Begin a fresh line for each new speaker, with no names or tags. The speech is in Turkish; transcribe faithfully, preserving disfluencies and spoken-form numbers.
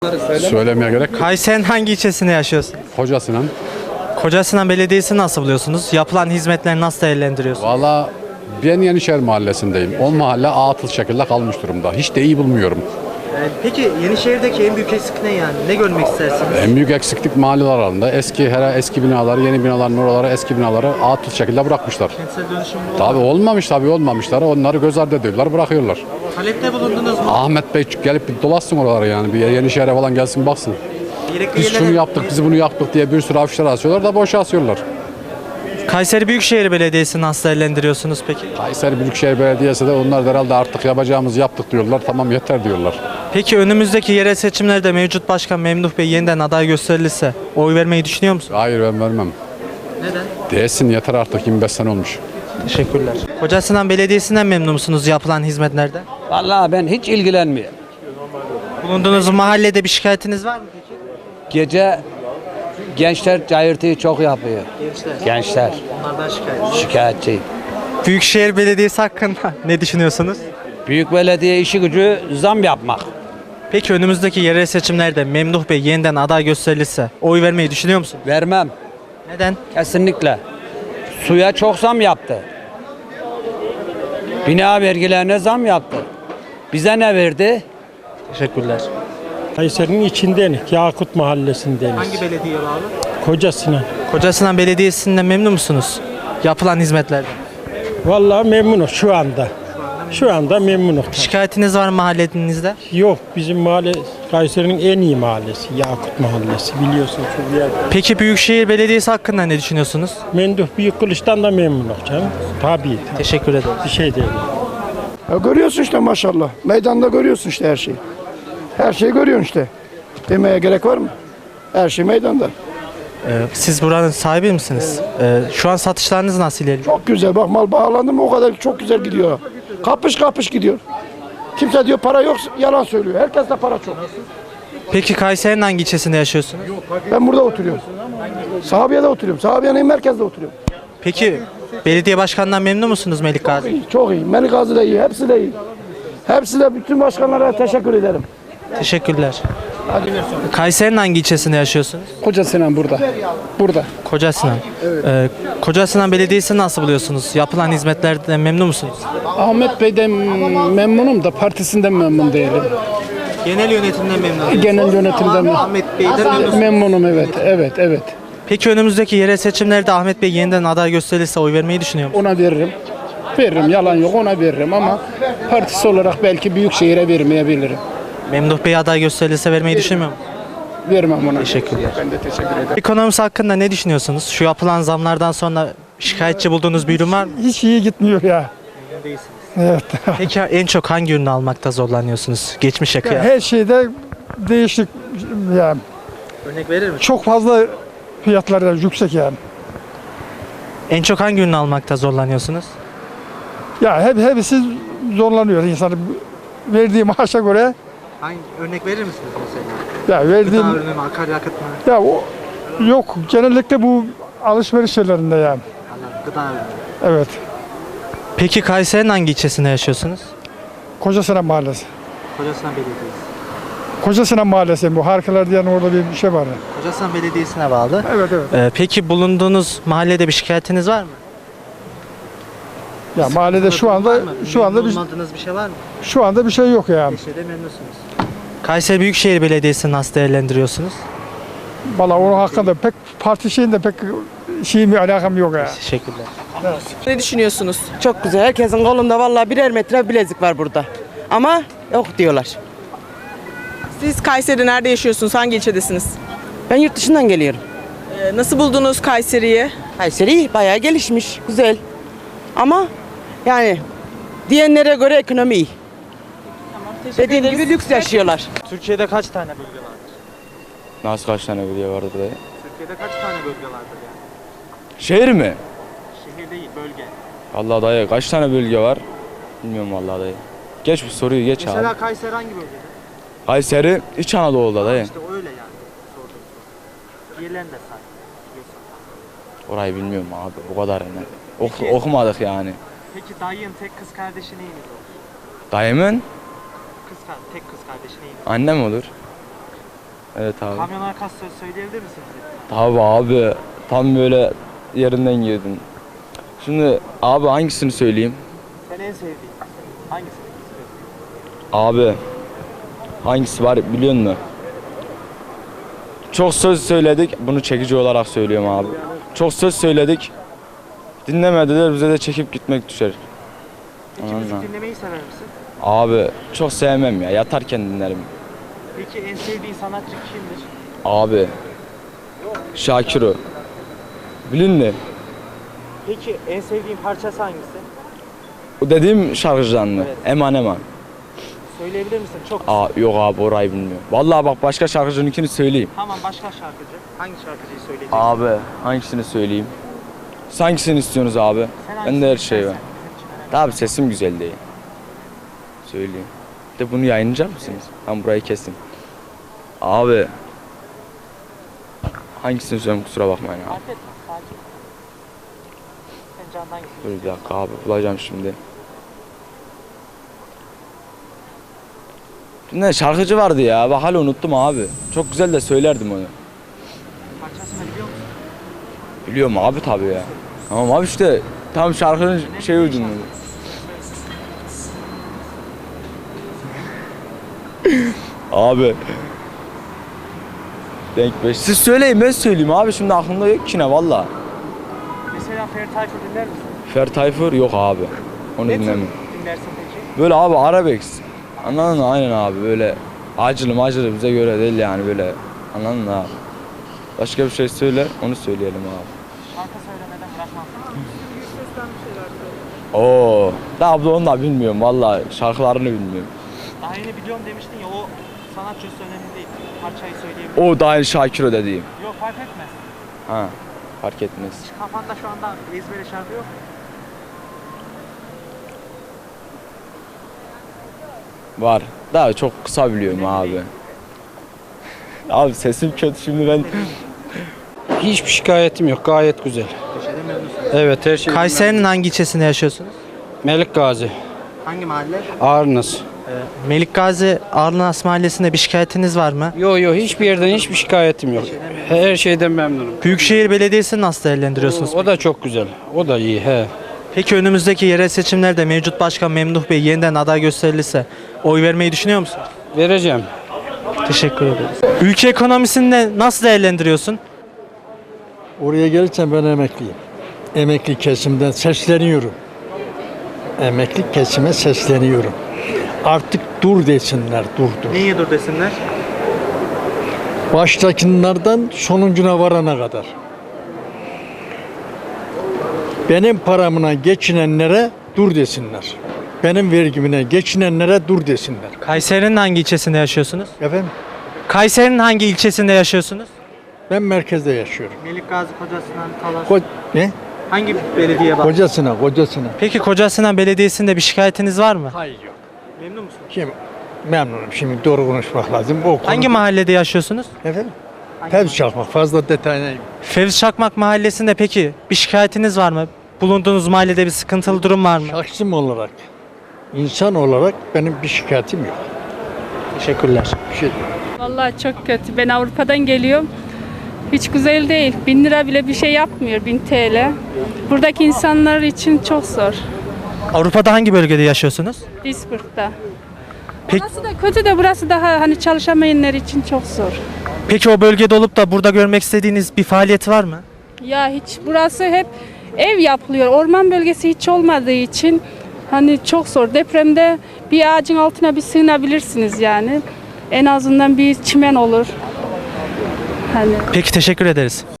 Söylemeye gerek.
Kayseri'nin hangi ilçesinde yaşıyorsun?
Kocasinan.
Kocasinan Belediyesi'ni nasıl buluyorsunuz? Yapılan hizmetleri nasıl değerlendiriyorsunuz?
Valla ben Yenişehir mahallesindeyim. O mahalle atıl şekilde kalmış durumda. Hiç de iyi bulmuyorum.
Peki Yenişehir'deki en büyük eksik ne yani? Ne görmek istersiniz?
En büyük eksiklik mahalleler arasında. Eski her eski binaları, yeni binaların oraları, eski binaları atıl şekilde bırakmışlar.
Kentsel dönüşüm bu.
Tabii olmamış tabii olmamışlar. Onları göz ardı ediyorlar, bırakıyorlar.
Talepte bulundunuz mu?
Ahmet Bey gelip bir dolaşsın oraları yani. Bir Yenişehir'e falan gelsin baksın.
Gerekli
Biz
yerlere-
şunu yaptık, biz bunu yaptık diye bir sürü afişler asıyorlar da boşa asıyorlar.
Kayseri Büyükşehir Belediyesi'ni nasıl değerlendiriyorsunuz peki?
Kayseri Büyükşehir Belediyesi de onlar da herhalde artık yapacağımızı yaptık diyorlar. Tamam yeter diyorlar.
Peki önümüzdeki yerel seçimlerde mevcut başkan Memduh Bey yeniden aday gösterilirse oy vermeyi düşünüyor musunuz?
Hayır ben vermem.
Neden?
Değilsin yeter artık yirmi beş sene olmuş.
Teşekkürler. Kocasinan Belediyesi'nden memnun musunuz yapılan hizmetlerden?
Vallahi ben hiç ilgilenmiyorum.
Bulunduğunuz mahallede bir şikayetiniz var mı peki?
Gece gençler cayırtıyı çok yapıyor.
Gençler.
Gençler
Onlardan şikayet.
şikayetçi.
Büyükşehir Belediyesi hakkında ne düşünüyorsunuz?
Büyük belediye işi gücü zam yapmak.
Peki önümüzdeki yerel seçimlerde Memduh Bey yeniden aday gösterilirse oy vermeyi düşünüyor musunuz?
Vermem.
Neden?
Kesinlikle. Suya çok zam yaptı. Bina vergilerine zam yaptı. Bize ne verdi?
Teşekkürler.
Kayseri'nin içinden, Yakut Mahallesi'ndeniz.
Hangi belediye bağlı?
Kocasinan.
Kocasinan Belediyesi'nden memnun musunuz? Yapılan hizmetlerden.
Vallahi memnunum şu anda. Şu anda memnunum.
Şikayetiniz var mı mahallenizde?
Yok, bizim mahalle Kayseri'nin en iyi mahallesi. Yakut Mahallesi. Biliyorsun şu bir yer.
Peki Büyükşehir Belediyesi hakkında ne düşünüyorsunuz?
Menduh Büyük Kılıç'tan da memnunum canım. Tabii.
Teşekkür ederim.
Bir şey değil.
Ya görüyorsun işte maşallah. Meydanda görüyorsun işte her şeyi. Her şeyi görüyorsun işte. Demeye gerek var mı? Her şey meydanda.
Ee, siz buranın sahibi misiniz? Ee, şu an satışlarınız nasıl ilerliyor?
Çok güzel. Bak mal bağlandı mı o kadar çok güzel gidiyor. Kapış kapış gidiyor. Kimse diyor para yok yalan söylüyor. Herkes de para çok.
Peki Kayseri'nin hangi ilçesinde yaşıyorsunuz?
Ben burada oturuyorum. Sahabiye'de oturuyorum. Sahabiye'nin merkezde oturuyorum.
Peki belediye başkanından memnun musunuz Melik Gazi?
İyi, çok iyi. Melik Gazi de iyi. Hepsi de iyi. Hepsi de bütün başkanlara teşekkür ederim.
Teşekkürler. Kayseri'nin hangi ilçesinde yaşıyorsunuz?
Kocasinan burada. Burada.
Kocasinan. Ee, Kocasinan Belediyesi'ni nasıl buluyorsunuz? Yapılan hizmetlerden memnun musunuz?
Ahmet Bey'den memnunum da partisinden memnun değilim.
Genel yönetimden memnun.
Genel yönetimden
Ahmet Bey'den memnun.
memnunum evet. Evet, evet.
Peki önümüzdeki yerel seçimlerde Ahmet Bey yeniden aday gösterilirse oy vermeyi düşünüyor musunuz?
Ona veririm. Veririm. Yalan yok ona veririm ama partisi olarak belki Büyükşehir'e vermeyebilirim.
Memduh Bey aday gösterilirse vermeyi düşünmüyor musunuz?
Vermem ona.
Teşekkürler.
Ben de teşekkür ederim.
Ekonomisi hakkında ne düşünüyorsunuz? Şu yapılan zamlardan sonra şikayetçi bulduğunuz bir ürün var mı?
Hiç iyi gitmiyor ya. Evet.
Peki en çok hangi ürünü almakta zorlanıyorsunuz? Geçmişe kıyasla.
Her şeyde değişik yani.
Örnek verir misiniz?
Çok fazla fiyatları da yüksek yani.
En çok hangi ürünü almakta zorlanıyorsunuz?
Ya hep hepsi zorlanıyor insanı. Verdiği maaşa göre
Hangi örnek verir misiniz mesela?
ya verdiğim
ürünü mü, akaryakıt mı?
ya o yok genellikle bu alışveriş şeylerinde yani.
Gıda ürünü.
Evet.
Peki Kayseri'nin hangi ilçesinde yaşıyorsunuz?
Kocasinan Mahallesi.
Kocasinan Belediyesi.
Kocasinan Mahallesi bu. Harikalar diyen orada bir şey var.
Kocasinan Belediyesi'ne bağlı.
Evet evet.
Ee, peki bulunduğunuz mahallede bir şikayetiniz var mı?
Ya mahallede şu anda şu anda bir
Olmadığınız bir şey var mı?
şu anda bir şey yok yani.
Bir şeyde memnunsunuz. Kayseri Büyükşehir Belediyesi'ni nasıl değerlendiriyorsunuz?
Vallahi onun hakkında pek parti şeyinde pek şeyim alakam yok ya.
Teşekkürler.
Ne düşünüyorsunuz? Çok güzel. Herkesin kolunda vallahi birer metre bilezik var burada. Ama yok diyorlar.
Siz Kayseri'de nerede yaşıyorsunuz? Hangi ilçedesiniz?
Ben yurt dışından geliyorum.
Ee, nasıl buldunuz Kayseri'yi?
Kayseri bayağı gelişmiş, güzel. Ama yani diyenlere göre ekonomi iyi. Dediğim gibi lüks yaşıyorlar.
Türkiye'de kaç tane bölge vardır?
Nasıl kaç tane bölge vardır dayı?
Türkiye'de kaç tane bölge vardır yani?
Şehir mi?
Şehir değil, bölge.
Allah dayı kaç tane bölge var? Bilmiyorum vallahi dayı. Geç bu soruyu geç
Mesela
abi.
Kayseri hangi bölgede?
Kayseri İç Anadolu'da dayı.
İşte öyle yani sorduğum soru. Diğerlerini de say. Biliyorsan.
Orayı bilmiyorum abi o kadar yani. Ok- okumadık yani.
Peki dayın tek kız kardeşi neyiniz olur?
Dayımın
Kız, kar- tek kız kardeşi neyiniz?
annem olur. Evet abi.
Kamyon arkası söz söyleyebilir misiniz?
Tabii abi. Tam böyle yerinden girdin. Şimdi abi hangisini söyleyeyim?
Sen en sevdiğin. Hangisini istiyorsun?
Abi hangisi var biliyor musun? Çok söz söyledik. Bunu çekici olarak söylüyorum abi. Çok söz söyledik. Dinlemediler, bize de çekip gitmek düşer.
Peki
Anladın mı?
müzik dinlemeyi sever misin?
Abi çok sevmem ya. Yatarken dinlerim.
Peki en sevdiğin sanatçı kimdir?
Abi Şakiro. Bilin mi?
Peki en sevdiğin parçası hangisi?
O dediğim şarkıcıdan mı?
Evet.
Eman Eman.
Söyleyebilir misin? Çok
Aa, yok abi orayı bilmiyorum. Vallahi bak başka şarkıcınınkini söyleyeyim.
Tamam, başka şarkıcı. Hangi şarkıcıyı söyleyeceksin?
Abi hangisini söyleyeyim? Siz hangisini istiyorsunuz abi?
Sen
Bende her
hangisini
şey var.
istersen bizim için önemli.
Abi sesim güzel değil. Söyleyeyim. Bir de bunu yayınlayacak mısınız? Ben burayı kesin. Abi hangisini söyleyeyim kusura bakmayın abi.
Fark etmez, sakin. Sen candan hangisini
Dur bir
istiyorsun?
dakika abi bulacağım şimdi. Ne şarkıcı vardı ya bak hala unuttum abi. Çok güzel de söylerdim onu.
Parçasını biliyor musun?
Biliyorum abi tabii ya. Tamam abi işte tam şarkının şey uydum. Abi. Denk beş. Siz söyleyin ben söyleyeyim abi şimdi aklımda yok ki ne valla.
Mesela Ferdi Tayfur dinler misin?
Fer Tayfur yok abi. Onu
Ne tür
dinlemem.
dinlersin peki?
Böyle abi arabesk. Anladın mı? Aynen abi böyle acılı macılı bize göre değil yani böyle. Anladın mı abi? Başka bir şey söyle onu söyleyelim abi.
Şarkı söylemeden bırakmam.
Oo, da abla onu da bilmiyorum valla şarkılarını bilmiyorum.
Daha yeni biliyorum demiştin ya, o sanatçı önemli değil. Parçayı söyleyebilirim.
O da aynı Şakiro dediğim.
Yok, fark etmez.
Ha, fark etmez.
Hiç kafanda şu anda ezbere şarkı yok mu?
Var. Daha çok kısa biliyorum abi. Abi sesim kötü şimdi ben.
Hiçbir şikayetim yok. Gayet güzel. Evet her şey.
Kayseri'nin hangi ilçesinde yaşıyorsunuz?
Melik Gazi.
Hangi mahalle?
Ağrınız.
Melik Gazi Arnas Mahallesi'nde bir şikayetiniz var mı?
Yo yo hiçbir yerden hiçbir şikayetim yok. Her şeyden memnunum.
Büyükşehir Belediyesi'ni nasıl değerlendiriyorsunuz?
O da çok güzel. O da iyi he.
Peki önümüzdeki yerel seçimlerde mevcut başkan Memduh Bey yeniden aday gösterilirse oy vermeyi düşünüyor musunuz?
Vereceğim.
Teşekkür ederiz. Ülke ekonomisini de nasıl değerlendiriyorsun?
Oraya gelirsen ben emekliyim. Emekli kesimden sesleniyorum. Emekli kesime sesleniyorum. Artık dur desinler, dur dur.
Niye dur desinler?
Baştakilerden sonuncuna varana kadar. Benim paramına geçinenlere dur desinler. Benim vergimine geçinenlere dur desinler.
Kayseri'nin hangi ilçesinde yaşıyorsunuz?
Efendim,
Kayseri'nin hangi ilçesinde yaşıyorsunuz?
ben merkezde yaşıyorum.
Melik Gazi, Kocasinan, Talas.
Ko- ne?
Hangi belediye var?
Kocasına, kocasına.
Peki Kocasinan Belediyesi'nde bir şikayetiniz var mı?
Hayır yok.
Memnun musunuz?
Şimdi memnunum. Şimdi doğru konuşmak lazım. O konu-
Hangi mahallede yaşıyorsunuz?
Efendim? Tevzi çalmak. Fazla detayına.
Fevzi Çakmak Mahallesi'nde peki bir şikayetiniz var mı? Bulunduğunuz mahallede bir sıkıntılı durum var mı?
Şahsım olarak, insan olarak benim bir şikayetim yok.
Teşekkürler.
Bir şey
Vallahi çok kötü. Ben Avrupa'dan geliyorum. Hiç güzel değil. Bin lira bile bir şey yapmıyor. Bin T L. Buradaki insanlar için çok zor.
Avrupa'da hangi bölgede yaşıyorsunuz?
Duisburg'da.
Peki,
Burası da kötü de burası daha hani çalışamayanlar için çok zor.
peki o bölgede olup da burada görmek istediğiniz bir faaliyet var mı?
Ya hiç burası hep ev yapılıyor. Orman bölgesi hiç olmadığı için hani çok zor. Depremde bir ağacın altına bir sığınabilirsiniz yani. En azından bir çimen olur. Hani
Peki teşekkür ederiz.